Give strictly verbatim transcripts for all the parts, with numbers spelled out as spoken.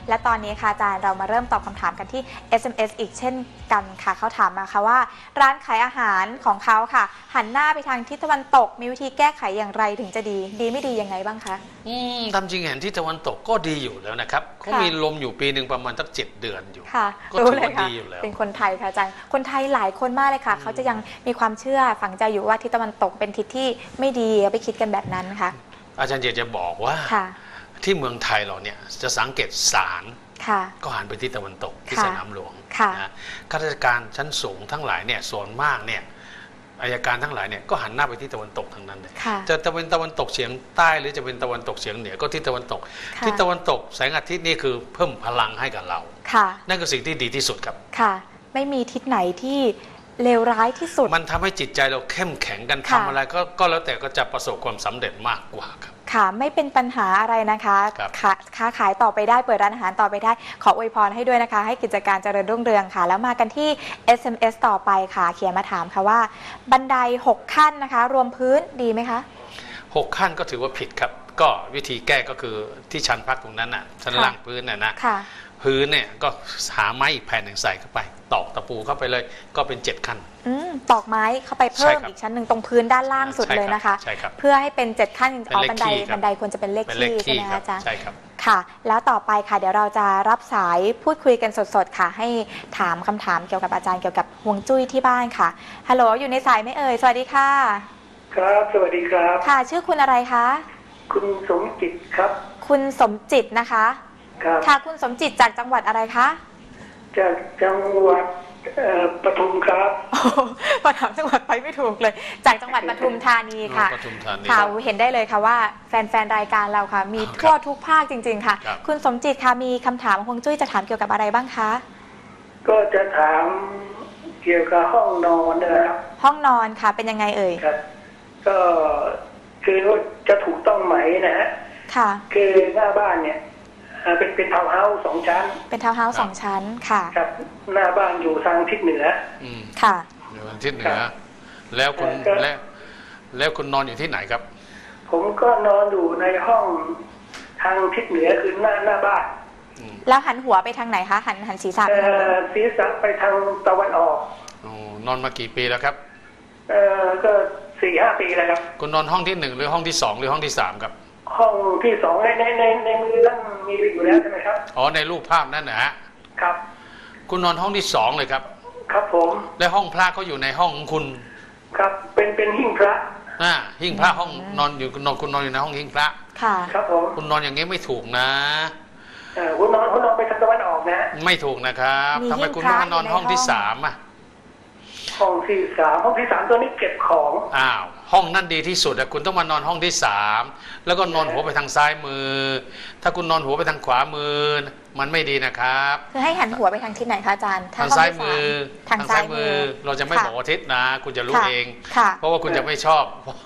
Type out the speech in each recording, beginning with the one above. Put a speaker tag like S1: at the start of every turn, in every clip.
S1: และตอนนี้ค่ะอาจารย์เรามาเริ่มตอบคำถามกันที่ เอส เอ็ม เอส อีกเช่นกันค่ะเขาถามมาค่ะว่าร้านขายอาหารของเขาค่ะหันหน้าไปทางทิศตะวันตกมีวิธีแก้ไขอย่างไรถึงจะดีดีไม่ดียังไงบ้างคะ
S2: อืมตามจริงเห็นที่ตะวันตกก็ดีอยู่แล้วนะครับเขามีลมอยู่ปีหนึ่งประมาณตั้งเจ็ดเดือนอยู่
S1: ค่ะ
S2: ก็ถือว่าดีอยู่แล้ว
S1: เป็นคนไทยค่ะอาจารย์คนไทยหลายคนมากเลยค่ะเขาจะยังมีความเชื่อฝังใจอยู่ว่าทิศตะวันตกเป็นทิศที่ไม่ดีไปคิดกันแบบนั้นค่ะ
S2: อาจารย์อยากจะบอกว่าที่เมืองไทยเราเนี่ยจะสังเกตศาลก็หันไปที่ตะวันตกที่สนามหลวงนะข้าราชการชั้นสูงทั้งหลายเนี่ยส่วนมากเนี่ยอัยการทั้งหลายเนี่ยก็หันหน้าไปที่ตะวันตกทั้งนั้นเลยจะจะเป็นตะวันตกเฉียงใต้หรือจะเป็นตะวันตกเฉียงเหนือก็ที่ตะวันตกที่ตะวันตกแสงอาทิตย์นี่คือเพิ่มพลังให้กับเรานั่นคือสิ่งที่ดีที่สุดครับ
S1: ค่ะไม่มีทิศไหนที่เลวร้ายที่สุด
S2: มันทำให้จิตใจเราเข้มแข็งกันทำอะไรก็ก็แล้วแต่ก็จะประสบความสำเร็จมากกว่าครับ
S1: ค่ะไม่เป็นปัญหาอะไรนะคะค้าขายต่อไปได้เปิดร้านอาหารต่อไปได้ขออวยพรให้ด้วยนะคะให้กิจการเจริญรุ่งเรืองค่ะแล้วมากันที่ เอส เอ็ม เอส ต่อไปค่ะเขียนมาถามค่ะว่าบันไดหกขั้นนะคะรวมพื้นดีไหมคะ
S2: หกขั้นก็ถือว่าผิดครับก็วิธีแก้ก็คือที่ชั้นพักตรงนั้นน่ะชั้นล่างพื้นน่ะนะพื้นเนี่ยก็หาไม้อีกแผ่นหนึ่งใส่เข้าไปตอกตะปูเข้าไปเลยก็เป็นเจ็ดขั้น
S1: ตอกไม้เข้าไปเพิ่มอีกชั้นหนึ่งตรงพื้นด้านล่างสุดเลยนะคะเพื่อให้เป็นเจ็ดขั้นอ๋อบันไดบันไดควรจะเป็นเลขที่ใช่ไหมอาจารย์
S2: ใช่ครับ
S1: ค่ะแล้วต่อไปค่ะเดี๋ยวเราจะรับสายพูดคุยกันสดๆค่ะให้ถามคำถามเกี่ยวกับอาจารย์เกี่ยวกับฮวงจุ้ยที่บ้านค่ะฮัลโหลอยู่ในสายไหมเอ่ยสวัสดีค่ะ
S3: ครับสวัสดีครับ
S1: ค่ะชื่อคุณอะไรคะ
S3: คุณสมจิตครับ
S1: คุณสมจิตนะคะค่ะคุณสมจิตจากจังหวัดอะไรคะ
S3: จากจังหวัดปทุมครับ
S1: พอถามจังหวัดไปไม่ถูกเลยจากจังหวัดปทุมธานีค่ะค่ะเห็นได้เลยค่ะว่าแฟนๆรายการเราค่ะมีทั่วทุกภาคจริงๆค่ะคุณสมจิตค่ะมีคำถามฮวงจุ้ยจะถามเกี่ยวกับอะไรบ้างคะ
S3: ก็จะถามเกี่ยวกับห้องนอนนะครับ
S1: ห้องนอนค่ะเป็นยังไงเอ่ย
S3: ครับก็คือจะถูกต้องไหมนะฮะ
S1: ค่ะ
S3: คือหน้าบ้านเนี่ยเป็นเป็นทาวน์เฮาส์สองชั้น
S1: เป็นทาวน์เฮาส์สองชั้นค่ะ
S3: ครับหน้าบ้านอยู่ทางทิศเหนือ
S1: ค่ะ
S2: อยู่ทางทิศเหนือแล้วคุณแล้วแล้วคุณนอนอยู่ที่ไหนครับ
S3: ผมก็นอนอยู่ในห้องทางทิศเหนือคือหน้าหน้าบ้าน
S1: แล้วหันหัวไปทางไหนคะหันหันศีรษะไปทางไหน
S3: ศีรษะไปทางตะวันออก
S2: นอนมากี่ปีแล้วครับ
S3: เออก็สี่ห้าปีแล้วครับ
S2: คุณนอนห้องที่หนึ่งหรือห้องที่สองหรือห้องที่สามครับ
S3: ห้องที่สองในในในในมือนั่นมีอยู่แล้วใช่ไหมครับ
S2: อ๋อในรูปภาพนั่นนะฮะ
S3: ครับ
S2: คุณนอนห้องที่สองเลยครับ
S3: ครับผม
S2: และห้องพระเขาอยู่ในห้องของคุณ
S3: ครับเป็นเป็นหิ้งพระ
S2: อ่าหิ้งพระห้องนอนอยู่คุณนอนคุณนอนอยู่ในห้องหิ้งพระ
S1: ค่ะ
S3: ครับผม
S2: คุณนอนอย่างนี้ไม่ถูกนะ
S3: เออคุณนอนคุณนอนไปทางตะวันออกนะ
S2: ไม่ถูกนะครับทำไมคุณต้องมานอนห้องที่สามอ่ะ
S3: ห้องที่สามห้องที่สามตัวนี้เก็บของ
S2: อ้าวห้องนั่นดีที่สุดอะคุณต้องมานอนห้องที่สามแล้วก็นอนหัวไปทางซ้ายมือถ้าคุณนอนหัวไปทางขวามือมันไม่ดีนะครับ
S1: คือให้หันหัวไปทางทิศไหนคะอาจารย์
S2: ทางซ้ายมือทางซ้ายมือเราจะไม่บอกทิศนะคุณจะรู้เองเพราะว่าคุณจะไม่ชอบ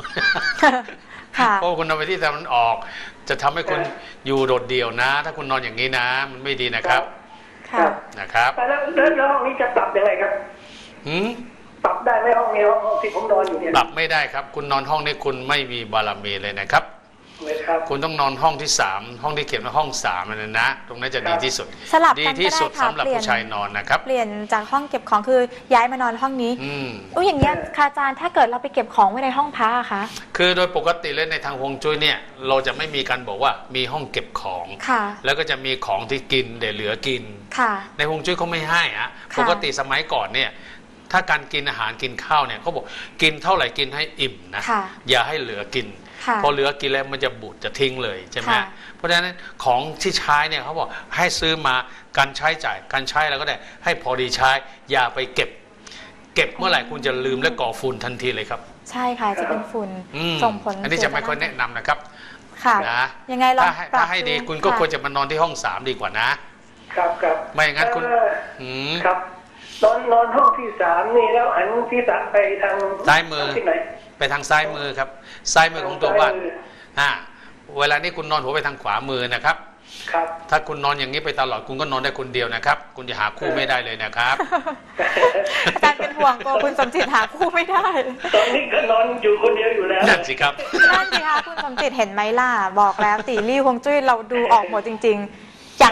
S2: เพราะคุณนอนไปที่ตะวันออกจะทำให้คุณอยู่โดดเดี่ยวนะถ้าคุณนอนอย่างนี้นะมันไม่ดีนะครับนะครับ
S3: แล้วแล้วห้องนี้จะปรับยังไงครับ
S2: หืม
S3: ปรับได้ไหมห้องนี้ห้องที่ผมนอนอยู่เนี่ย
S2: ปรับไม่ได้ครับคุณนอนห้องนี้คุณไม่มีบารมีเลยนะครับคุณต้องนอนห้องที่สามห้องที่เขียนว่าห้องสามเลยนะตรงนั้นจะดีที่สุด
S1: สลับ
S2: ดีที่สุดสำหรับผู้ชายนอนนะครับ
S1: เปลี่ยนจากห้องเก็บของคือย้ายมานอนห้องนี้อุ้ยอย่างเงี้ยค่ะอาจารย์ถ้าเกิดเราไปเก็บของไว้ในห้องพักอะคะ
S2: คือโดยปกติเลยในทางฮวงจุ้ยเนี่ยเราจะไม่มีการบอกว่ามีห้องเก็บของแล้วก็จะมีของที่กินเดี๋ยวเหลือกินในฮวงจุ้ยเขาไม่ให้อะปกติสมัยก่อนเนี่ยถ้าการกินอาหารกินข้าวเนี่ยเขาบอกกินเท่าไหร่กินให้อิ่มนะอย่าให้เหลือกินพอเหลือกินแล้วมันจะบูดจะทิ้งเลยใช่ไหมเพราะฉะนั้นของที่ใช้เนี่ยเขาบอกให้ซื้อมาการใช้จ่ายการใช้แล้วก็ได้ให้พอดีใช้อย่าไปเก็บเก็บเมื่อไหร่คุณจะลืมและก่อฝุ่นทันทีเลยครับ
S1: ใช่ค่ะจะเป็นฝุ่นส่งผล
S2: อันนี้จะไม่ค่อยแนะนำนะครับ
S1: ค่ะนะยังไงลอง
S2: ถ้าให้ดีคุณก็ควรจะมานอนที่ห้องสามดีกว่า
S3: นะครับครับ
S2: ไม่อย่างนั้นคุณ
S3: ครับนอนนอนห้องที่สามนี่แล้วหันที่สามไปทาง
S2: ซ้ายมือ
S3: ที่ไหน
S2: ไปทางซ้ายมือครับซ้ายมือของตัวบ้านอ่าเวลานี้คุณนอนหัวไปทางขวามือนะครับ
S3: ครับ
S2: ถ้าคุณนอนอย่างนี้ไปตลอดคุณก็นอนได้คนเดียวนะครับคุณจะหาคู่ไม่ได้เลยนะครับ
S1: อาจารย์เป็นห่วงตัวคุณสมจิตหาคู่ไม่ได้
S3: ตอนนี้ก็นอนอยู่คนเดียวอยู่แล้ว
S2: นั่นสิครับ
S1: นั่นสิคะคุณสมจิตเห็นไหมล่ะบอกแล้วตีรี่ฮวงจุ้ยเราดูออกหมดจริงๆอยาก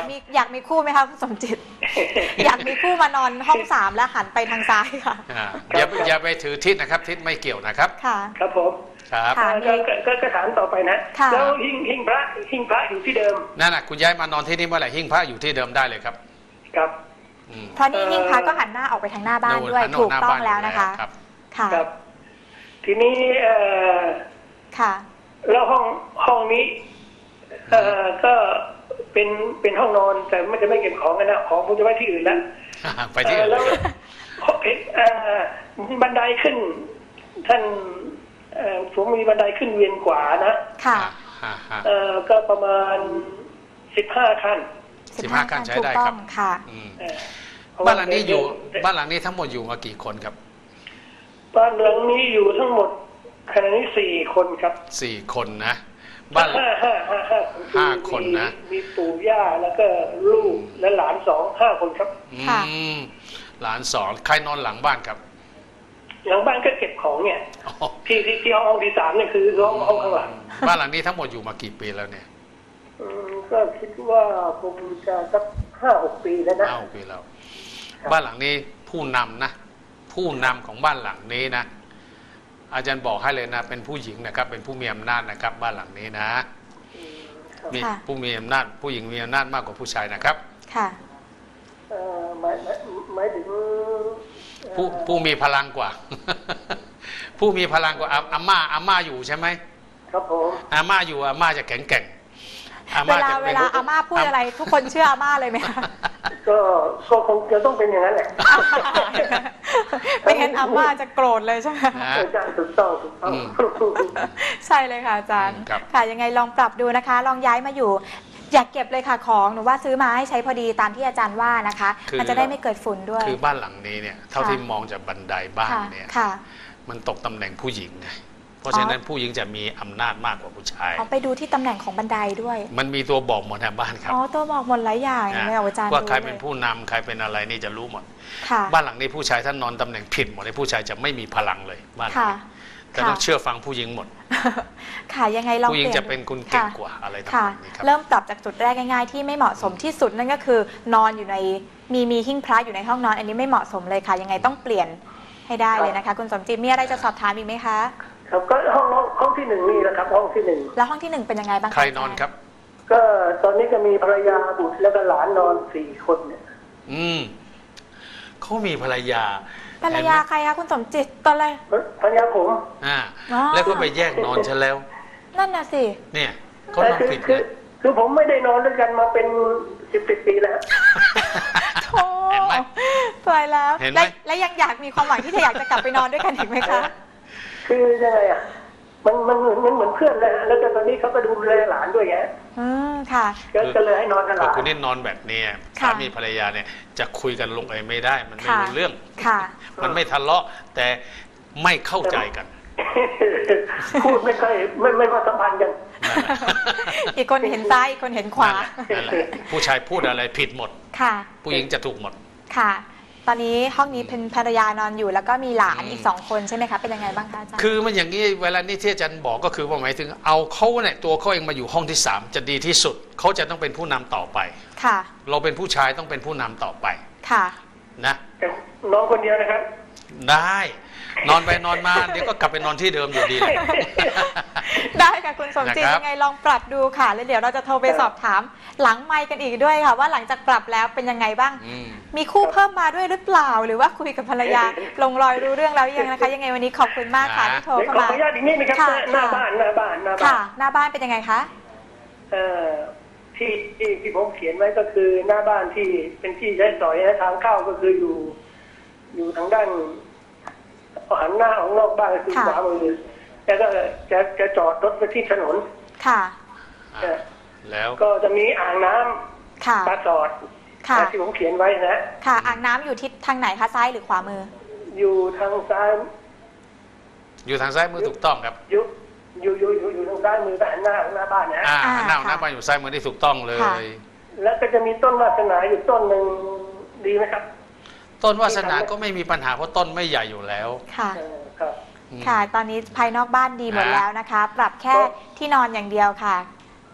S1: มีอยากมีคู่ไหมคะคุณสมจิต อยากมีคู่มานอนห้องสามแล้วหันไปทางซ้ายค่ะ
S2: อ่าอย่าอย่าไปถือทิศนะครับทิศไม่เกี่ยวนะครับ
S1: ค่ะ
S3: ครับผม
S2: ครับ
S1: ค่ะ
S3: ก็ก็ก็ก็ถามต่อไปนะ
S1: ค่ะ
S3: แล้วหิ้งหิ้งพระหิ้งพระอยู่ที่เดิม
S2: นั่นน่ะคุณย้ายมานอนที่นี่เมื่อไหร่หิ้งพระอยู่ที่เดิมได้เลยครับ
S3: ครับ
S2: อืม
S1: เพราะนี่หิ้งพระก็หันหน้าออกไปทางหน้าบ้านด้วย
S2: หันหน้า
S1: ถูกต้อง
S2: หน้าบ้าน
S1: แล้วนะคะ
S2: ครับ
S1: ค่ะ
S3: ครับ ทีนี้เอ่อ
S1: ค่ะ
S3: แล้วห้องห้องนี้เอ่อก็เป็นเป็นห้องนอนแต่ไม่จะไม่เก็บของกันนะของผมจะไว้ที่อื่นแล้ว
S2: ไปที่อื่น
S3: เอ่อ
S2: เล
S3: แล้ว
S2: ย
S3: เอ่อบันไดขึ้น ท่านเอ่อผมมีบันไดขึ้นเวียนขวานะ
S1: ค่ะ
S2: อ่าฮะ
S3: เอ่อก็ประมาณสิบห้าขั้น
S2: สิบห้าขั้นใช้ได้
S1: ถูก
S2: ค
S1: ต้
S2: รั
S1: อบ งค่ะ
S2: อืม
S3: เอ่อเพระว่
S2: บ้านหลังนี้อยู่
S3: เดิน
S2: บ้านหลังนี้ทั้งหมดอยู่มากี่คนครับ
S3: บ้านหลังนี้อยู่ทั้งหมดขณะนี้สี่คนครับ
S2: สี่คนนะบ้าน
S3: ห้าห้าห้าห้า
S2: ห้าคนนะ
S3: มีมีปู่ย่าแล้วก็ลูกและหลานสองห้าคนครับ
S1: ค่ะ
S2: อืมหลานสอนใครนอนหลังบ้านครับ
S3: หลังบ้านก็เก็บของเนี่ย
S2: อ๋อ
S3: ที่ที่ที่ห้องที่สามเนี่ยคือห้องห้องข้างหลัง
S2: บ้านหลังนี้ทั้งหมดอยู่มากี่ปีแล้วเนี่ย
S3: อืมก็คิดว่าคงจะสักห้าหกปีแล้วนะ
S2: เก้าปีแล้ว บ้านหลังนี้ผู้นำนะ ผู้นำของบ้านหลังนี้นะ อาจารย์บอกให้เลยนะ เป็นผู้หญิงนะครับ เป็นผู้มีอำนาจนะครับ บ้านหลังนี้นะ
S3: อืมครับ
S2: มี
S1: ค่ะ
S2: ผู้มีอำนาจ ผู้หญิงมีอำนาจมากกว่าผู้ชายนะครับ
S1: ค่ะ
S3: เอ่อหมายหมายหมายถึงเอ่อ
S2: ผู้ผู้มีพลังกว่า ผู้มีพลังกว่าอาอาม่าอาม่าอยู่ใช่ไหม
S3: ครับผม
S2: อาม่าอยู่อาม่าจะแข็งแกร่งอา
S1: เว
S2: ม่า
S1: ลา
S2: จะ
S1: เว
S2: เป็น
S1: ลาอาม่าพูดอะไร ทุกคนเชื่ออาม่าเลยไหมคะ
S3: ก็ก็คงจะต้องเป็นอย่างนั้นแหละ
S1: ไม่งั้นอาม่าจะโกรธเลยใช่ไหม
S2: นะ
S3: อาจารย์ถูกต้องถูกต้อง
S2: อืม
S1: ใช่เลยค่ะอาจารย์
S2: ครับ
S1: ค่ะยังไงลองปรับดูนะคะ ลองย้ายมาอยู่ อยากเก็บเลยค่ะของหนูว่าซื้อมาให้ใช้พอดีตามที่อาจารย์ว่านะคะ มันจะได้ไม่เกิดฝุ่นด้วย
S2: คือบ้านหลังนี้เนี่ย เท่าที่มองจากบันไดบ้าน
S1: ค่ะ
S2: เนี่ย
S1: ค่ะ
S2: มันตกตำแหน่งผู้หญิงไง เพราะฉะนั้นผู้หญิงจะมีอำนาจมากกว่าผู้ชาย
S1: เอาไปดูที่ตำแหน่งของบันไดด้วย
S2: มันมีตัวบอกหมดนะบ้านครับ
S1: อ๋อตัวบอกหมดหลายอย่าง
S2: นะ
S1: ไม่เอาอาจารย์
S2: ว่าใคร
S1: ลย
S2: เป็นผู้นำใครเป็นอะไรนี่จะรู้หมด
S1: ค่ะ
S2: บ้านหลังนี้ผู้ชายท่านนอนตำแหน่งผิดหมดเลยผู้ชายจะไม่มีพลังเลยบ้านหลัง
S1: ค่ะ
S2: นี้แต่ต้องเชื่อฟังผู้หญิงหมด
S1: ค่ะยังไงลอง
S2: ผู้หญิง
S1: ปลี่ย
S2: จะเป็นคนเก่ง
S1: ค่ะ
S2: กว่าอะไรต่า
S1: ค่ะ
S2: งๆนี้ครับ
S1: เริ่มปรับจากจุดแรกง่ายๆที่ไม่เหมาะสมที่สุดนั่นก็คือนอนอยู่ในมีมีหิ้งพระอยู่ในห้องนอน อันนี้ไม่เหมาะสมเลยค่ะ ยังไงต้องเปลี่ยนให้ได้เลยนะคะ คุณสมจิตมีอะไรจะสอบถามอีกไหมคะ
S3: ครับก็ห้องห้องห้องที่หนึ่งนี่แหละครับ ห้องที่หนึ่ง
S1: แล้วห้องที่หนึ่งเป็นยังไงบ้างะ
S2: ใครนอนครับ
S3: ก็ตอนนี้ก็มีภรรยาบุตรแล้วก็หลานนอนสี่คนเนี่ย
S2: อืมเขามีภรรยา
S1: ภรรยาใครคะคุณสมจิตตอนแรก
S3: ภรรยาผม
S2: อ่า
S1: อ๋อ
S2: แล้วก็ไปแยกนอนฉันแล้ว
S1: นั่นน่ะสิ
S2: เนี่ยเขานอน
S3: คือ
S2: ผิด
S3: คือ
S2: นะ
S3: คือผมไม่ได้นอนด้วยกันมาเป็นสิบสิบปีแล้ว
S1: โธ่
S2: เห็นไหม
S1: ตายแล้ว
S2: เห็นไหม
S1: และและยังอยากมีความหวังที่จะอยากจะกลับไปนอนด้วยกันอีกไหมคะ
S3: คือยังไงอ่ะ มันมันเหมือนมันเหมือนเพื่อนเลยแล้วก็ตอนนี้เขาก็ดูแลหลานด้วยไง
S1: อืมค่ะ
S3: ก็ก็เลยให้นอนกับห
S2: แต่
S3: ลาน
S2: คุณนี่นอนแบบเนี้ย
S1: ค่ะ
S2: สามีภรรยาเนี่ยจะคุยกันลงเอยไม่ได้ มันไม่
S1: ค่ะ
S2: รู้เรื่อง
S1: ค่ะ
S2: มันไม่ทะเลาะแต่ไม่เข้าใจกัน
S3: พูดไม่ค่อยไม่ไม่ค่อยสัมพันธ์กัน
S2: นั่นแหละ
S1: อีกคนเห็นซ้ายอีกคนเห็นขวา
S2: นั่นแหละผู้ชายพูดอะไรผิดหมด
S1: ค่ะ
S2: ผู้หญิงจะถูกหมด
S1: ค่ะ ตอนนี้ห้องนี้เป็นภรรยานอนอยู่แล้วก็มีหลาน
S2: อืม
S1: อีกสองคนใช่ไหมคะเป็นยังไงบ้างคะอาจารย์
S2: คือมันอย่างนี้เวลานี้ที่อาจารย์บอกก็คือว่าหมายถึงเอาเขาเนี่ยตัวเขาเองมาอยู่ห้องที่สามจะดีที่สุดเขาจะต้องเป็นผู้นำต่อไป
S1: ค่ะ
S2: เราเป็นผู้ชายต้องเป็นผู้นำต่อไป
S1: ค่ะ
S2: นะ
S3: แต่น้องคนเดียวนะครับ
S2: ได้นอนไปนอนมาเดี๋ยวก็กลับไปนอนที่เดิมอยู่ดีแหละ
S1: ได้ค่ะคุณสมจิต
S2: นะครับ
S1: ยังไงลองปรับดูค่ะแล้วเดี๋ยวเราจะโทรไปสอบถามหลังไมค์กันอีกด้วยค่ะ ว่าหลังจากปรับแล้วเป็นยังไงบ้าง
S2: อืม
S1: มีคู่เพิ่มมาด้วยหรือเปล่า หรือว่าคุยกับภรรยา ลงรอยรู้เรื่องแล้วยังนะคะ ยังไงวันนี้ขอบคุณมากค่ะที่โทร
S3: เดี๋ยว
S1: เข้า
S3: ขอ
S1: มา
S3: อนุญาตอีกนิดนะครับ
S1: ค่ะ
S3: หน้าบ้านหน้าบ้านหน้าบ้า
S1: ค่ะ
S3: น
S1: หน้าบ้านเป็นยังไงคะ
S3: เอ่อที่ที่ที่ผมเขียนไว้ก็คือหน้าบ้านที่เป็นที่ใช้สอยนะทางเข้าก็คืออยู่ อยู่ทางด้านหันหน้าออกนอกบ้านก็คือ
S1: ค่ะ
S3: ขวามือแล้วก็จะจะจอดรถไปที่ถนน
S1: ค่ะ
S2: อ่ะแล้ว
S3: ก็จะมีอ่างน้ำ
S1: ค่ะ
S3: ปลาสอด
S1: ค่ะ
S3: นะที่ผมเขียนไว้นะ
S1: ค่ะ อ่างน้ำอยู่ทิศทางไหนคะซ้ายหรือขวามือ
S3: อยู่ทางซ้าย
S2: อยู่ทางซ้ายมือถูกต้องครับ
S3: อยู่อยู่อยู่อยู่อยู่ทางซ้ายมือแต่หันหน้าของหน้าบ้านนะ
S2: อ่า
S1: อ่า
S2: หน้าห
S1: ค่ะ
S2: น้าบ้านอยู่ซ้ายมือที่ถูกต้องเล
S1: ค่ะ
S2: ย
S3: แล้วก็จะมีต้นวาสนาอยู่ต้นหนึ่งดีไหมครับ
S2: ต้นวาสนาก็ไม่มีปัญหาเพราะต้นไม่ใหญ่อยู่แล้ว
S1: ค่ะ
S3: เออครับ
S2: อืม
S1: ค่ะ ตอนนี้ภายนอกบ้านดีหมด
S2: อ่า
S1: แล้วนะคะ ปรับแค่
S3: ก็
S1: ที่นอนอย่างเดียวค่ะ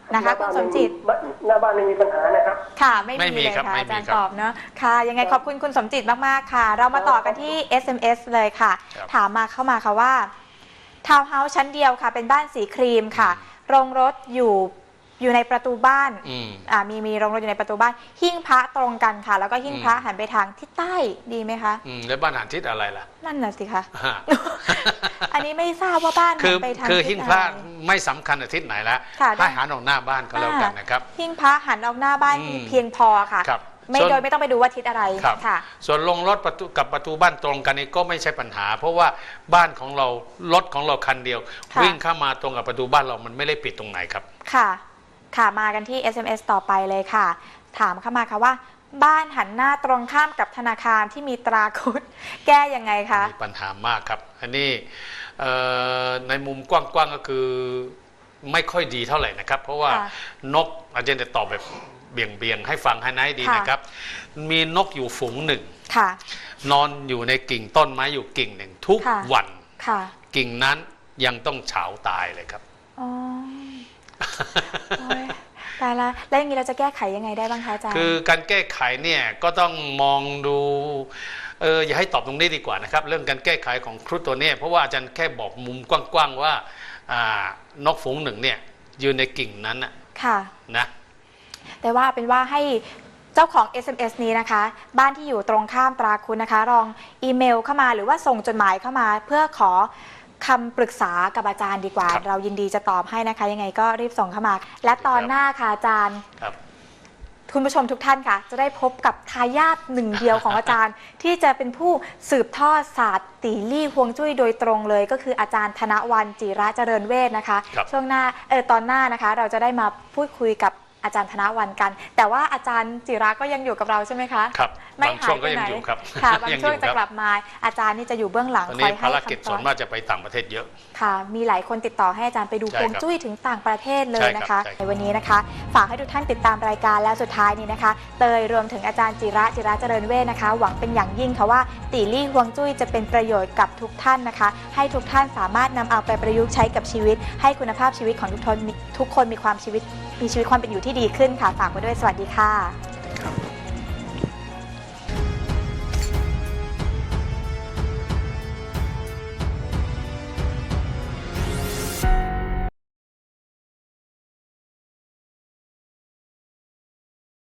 S1: นะคะคุณสมจิต
S3: หน้าบ้านไม่มีปัญหานะครับ
S1: ค่ะไม่
S2: ไม่มี
S1: มีเลย
S2: ครับ
S1: ค่ะ
S2: ไม่
S1: อา
S2: มี
S1: จารย์
S2: ครับ
S1: ตอบเนาะค่ะยังไงขอบคุณคุณสมจิตมากๆค่ะ เรามาต่อกันที่ เอส เอ็ม เอส เลยค่ะ
S2: ครับ
S1: ถามมาเข้ามาค่ะว่าทาวน์เฮาส์ชั้นเดียวค่ะ เป็นบ้านสีครีมค่ะ โรงรถอยู่อยู่ในประตูบ้าน
S2: อืม
S1: อ่ามีมีโรงรถอยู่ในประตูบ้านหิ้งพระตรงกันค่ะ แล้วก็หิ้งพระหันไปทางทิศใต้ดีไหมคะ
S2: อืมแล้วบ้านหันทิศอะไรล่ะ
S1: นั่นน่ะสิคะ
S2: ฮะ
S1: อันนี้ไม่ทราบว่าบ้าน
S2: คื
S1: หั
S2: อน
S1: ไปทาง
S2: คือ
S1: ทิ
S2: หิ้
S1: ศ
S2: ง
S1: อะ
S2: พระ
S1: ไร
S2: ไม่สำคัญอาทิตย์ไหนแล้ว
S1: ค่ะ
S2: ให้หันออกหน้าบ้านก็แล้วกันนะครับ
S1: หิ้งพระหันออกหน้าบ้าน
S2: อืม
S1: เพียงพอค่ะ
S2: ครับ
S1: ไม่
S2: ส่วน
S1: โดยไม่ต้องไปดูว่าทิศอะไร
S2: ครับ
S1: ค่ะ
S2: ส่วนลงรถประตูกับประตูบ้านตรงกันนี่ก็ไม่ใช่ปัญหา เพราะว่าบ้านของเรารถของเราคันเดียว
S1: ค่ะ
S2: วิ่งเข้ามาตรงกับประตูบ้านเรามันไม่ได้ปิดตรงไหนครับ
S1: ค่ะ ค่ะ มากันที่ เอส เอ็ม เอส ต่อไปเลยค่ะ ถามเข้ามาค่ะว่า บ้านหันหน้าตรงข้ามกับธนาคารที่มีตราคุด แก้ยังไงคะ
S2: มีปัญหามากครับ อันนี้เอ่อในมุมกว้างๆก็คือไม่ค่อยดีเท่าไหร่นะครับ เพราะว่า
S1: ค่ะ
S2: นกอาจารย์จะตอบแบบเบี่ยงๆให้ฟังให้นายดี
S1: ค่ะ
S2: นะครับ มีนกอยู่ฝูงหนึ่ง
S1: ค่ะ
S2: นอนอยู่ในกิ่งต้นไม้อยู่กิ่งหนึ่งทุก
S1: ค่ะ
S2: วัน
S1: ค่ะ
S2: กิ่งนั้นยังต้องเฉาตายเลยครับ
S1: อ๋อโอ้ยตายละแล้วอย่างนี้เราจะแก้ไขยังไงได้บ้างคะอาจารย์
S2: คือการแก้ไขเนี่ยก็ต้องมองดูเอออย่าให้ตอบตรงนี้ดีกว่านะครับ เรื่องการแก้ไขของครุฑตัวเนี้เพราะว่าอาจารย์แค่บอกมุมกว้างๆว่าอ่านกฝูงหนึ่งเนี่ยยืนในกิ่งนั้นน่ะ
S1: ค่ะ
S2: นะ
S1: แต่ว่าเป็นว่าให้เจ้าของ เอส เอ็ม เอส นี้นะคะ บ้านที่อยู่ตรงข้ามตราคุณนะคะลองอีเมลเข้ามาหรือว่าส่งจดหมายเข้ามา เพื่อขอคำปรึกษากับอาจารย์ดีกว่า
S2: ครับ
S1: เรายินดีจะตอบให้นะคะ ยังไงก็รีบส่งเข้ามา และตอนหน้าค่ะอาจารย์
S2: ครับ
S1: คุณผู้ชมทุกท่านค่ะ จะได้พบกับทายาทหนึ่งเดียวของอาจารย์ ที่จะเป็นผู้สืบทอดศาสตร์ตีลี่ฮวงจุ้ยโดยตรงเลย ก็คืออาจารย์ธนวรรณจิระเจริญเวชนะคะ
S2: ครับ
S1: ช่วงหน้าเออตอนหน้านะคะ เราจะได้มาพูดคุยกับอาจารย์ธนวรรณกัน แต่ว่าอาจารย์จิระก็ยังอยู่กับเราใช่ไหมคะ
S2: ครับ
S1: ไม่
S2: บาง
S1: หา
S2: ช่วย ง
S1: ไป
S2: ก็ยั
S1: ไห
S2: ง
S1: น
S2: อยู่ครับ
S1: ค่ะบาง
S2: ยัง
S1: ช่วง
S2: อยู่
S1: จะ
S2: ครับ
S1: กลับมาอาจารย์นี่จะอยู่เบื้องหลัง
S2: ตอน
S1: คอ
S2: นี้
S1: ยให้
S2: ภารกิจ
S1: คำต
S2: ส่
S1: อ
S2: วน
S1: บ
S2: มากจะไปต่างประเทศเยอะ
S1: ค่ะ มีหลายคนติดต่อให้อาจารย์ไปดู
S2: ใช่
S1: ฮวง
S2: ครับ
S1: จุ้ยถึงต่างประเทศเลยนะ
S2: ใช่ครั
S1: คะ
S2: บใช่
S1: ในวันนี้นะคะ ฝากให้ทุกท่านติดตามรายการแล้วสุดท้ายนี้นะคะ เตยรวมถึงอาจารย์จิระจิระเจริญเวชนะคะ หวังเป็นอย่างยิ่งค่ะว่าตีลี่ฮวงจุ้ยจะเป็นประโยชน์กับทุกท่านนะคะ ให้ทุกท่านสามารถนำเอาไปประยุกต์ใช้กับชีวิต ให้คุณภาพชีวิตของทุกคนทุกคนมีความชีวิตมีชีวิตความเป็นอยู่ที่ดีขึ้นค่ะฝากไว้ด้วยสวัสดีค่ะ